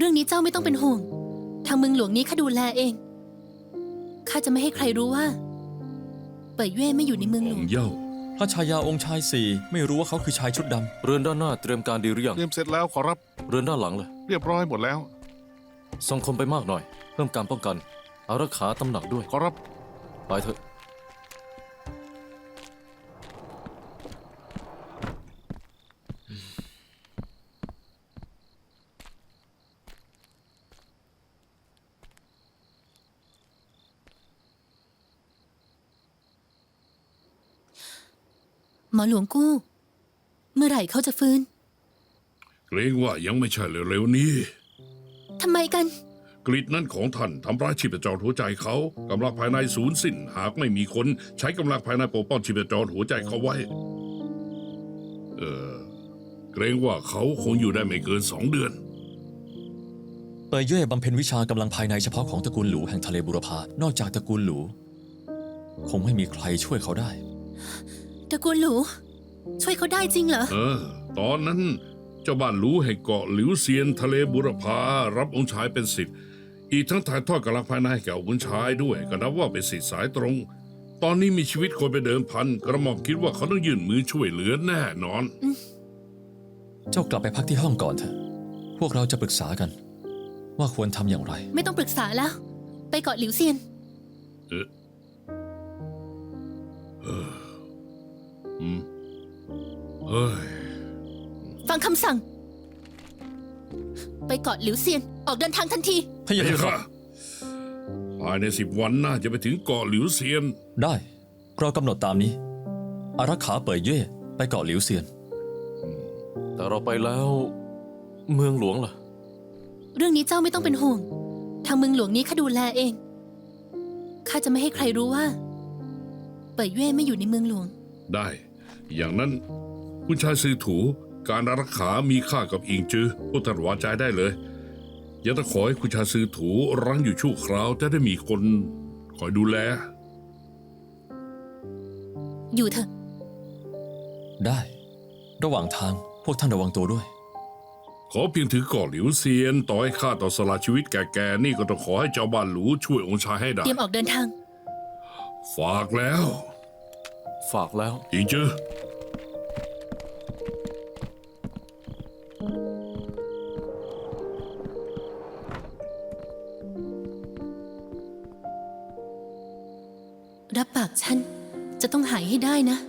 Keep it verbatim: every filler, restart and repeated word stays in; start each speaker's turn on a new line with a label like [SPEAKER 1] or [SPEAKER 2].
[SPEAKER 1] รื่องนี้เจ้าไม่ต้องเป็นห่วงทางเมืองหลวงนี้ข้าดูแลเองข้าจะไม่ให้ใครรู้ว่าเป่ยเย่ไม่อยู่ในเมืองหลวง
[SPEAKER 2] เย่า
[SPEAKER 3] พระชายาองค์ชายสี่ไม่รู้ว่าเขาคือชายชุดดำ
[SPEAKER 4] เรือนด้านหน้าเตรียมการดีหรือยัง
[SPEAKER 5] เตรียมเสร็จแล้วขอรับ
[SPEAKER 4] เรือนด้านหลังเลย
[SPEAKER 5] เรียบร้อยหมดแล้ว
[SPEAKER 4] ส่งคนไปมากหน่อยเพิ่มการป้องกันอารักขาตำหนักด้วย
[SPEAKER 5] ขอรับ
[SPEAKER 4] ไปเถอะ
[SPEAKER 1] หมอหลวงกู้เมื่อไหร่เขาจะฟื้น
[SPEAKER 2] เกรงว่ายังไม่ใช่เร็วๆนี้
[SPEAKER 1] ทำไมกัน
[SPEAKER 2] กรีดนั้นของท่านทำร้ายชีพจรหัวใจเขากำลังภายในสูญสิ้นหากไม่มีคนใช้กำลังภายในปกป้องชีพจรหัวใจเขาไว้เออเกรงว่าเขาคงอยู่ได้ไม่เกินสองเดือน
[SPEAKER 3] เป่ยเย่บำเพ็ญวิชากำลังภายในเฉพาะของตระกูลหลูแห่งทะเลบุรพานอกจากตระกูลหลูคงไม่มีใครช่วยเขาได้
[SPEAKER 1] ตระกูลหลูช่วยเขาได้จริงเหรอ
[SPEAKER 2] เออตอนนั้นเจ้าบ้านหลูแห่งเกาะหลิวเซียนทะเลบุรพารับองค์ชายเป็นศิษย์อีกทั้งถ่ายทอดกำลังภายในให้แก่องค์ชายด้วยก็นับว่าเป็นศิษย์สายตรงตอนนี้มีชีวิตคนไปเดิมพันกระหม่อมคิดว่าเขาต้องยื่นมือช่วยเหลือแน่นอน
[SPEAKER 3] เจ้ากลับไปพักที่ห้องก่อนเถอะพวกเราจะปรึกษากันว่าควรทำอย่างไร
[SPEAKER 1] ไม่ต้องปรึกษาแล้วไปเกาะหลิวเซียน
[SPEAKER 2] เออเอออืมเฮ้ย
[SPEAKER 1] ฟังคำสั่งไปเกาะหลิวเซียนออกเดินทางทันที
[SPEAKER 3] พะยะค่ะ
[SPEAKER 2] ภายในสิบวันน่าจะไปถึงเกาะหลิวเซียน
[SPEAKER 3] ได้เรากำหนดตามนี้อารักขาเป่ยเย่ไปเกาะหลิวเซียน
[SPEAKER 4] แต่เราไปแล้วเมืองหลวงล่ะ
[SPEAKER 1] เรื่องนี้เจ้าไม่ต้องเป็นห่วงทางเมืองหลวงนี้ข้าดูแลเองข้าจะไม่ให้ใครรู้ว่าเป่ยเย่ไม่อยู่ในเมืองหลวง
[SPEAKER 2] ได้อย่างนั้นคุณชายซือถูการอารักขามีค่ากับอิงจือพุทธวาจาได้เลยอย่าต้องขอให้คุณชายซือถูรั้งอยู่ชั่วคราวจะได้มีคนคอยดูแล
[SPEAKER 1] อยู่เถอะ
[SPEAKER 3] ได้ระหว่างทางพวกท่านระวังตัวด้วย
[SPEAKER 2] ขอเพียงถือเกาะหลิวเซียนต่อให้ข้าต่อสละชีวิตแก่ๆนี่ก็ต้องขอให้เจ้าบ้านหลูช่วยองค์ชายให้ได้
[SPEAKER 1] เตรียมออกเดินทาง
[SPEAKER 2] ฝากแล้ว
[SPEAKER 4] ฝากแล้ว
[SPEAKER 2] อิงจือ
[SPEAKER 1] รับปากฉันจะต้องหายให้ได้นะ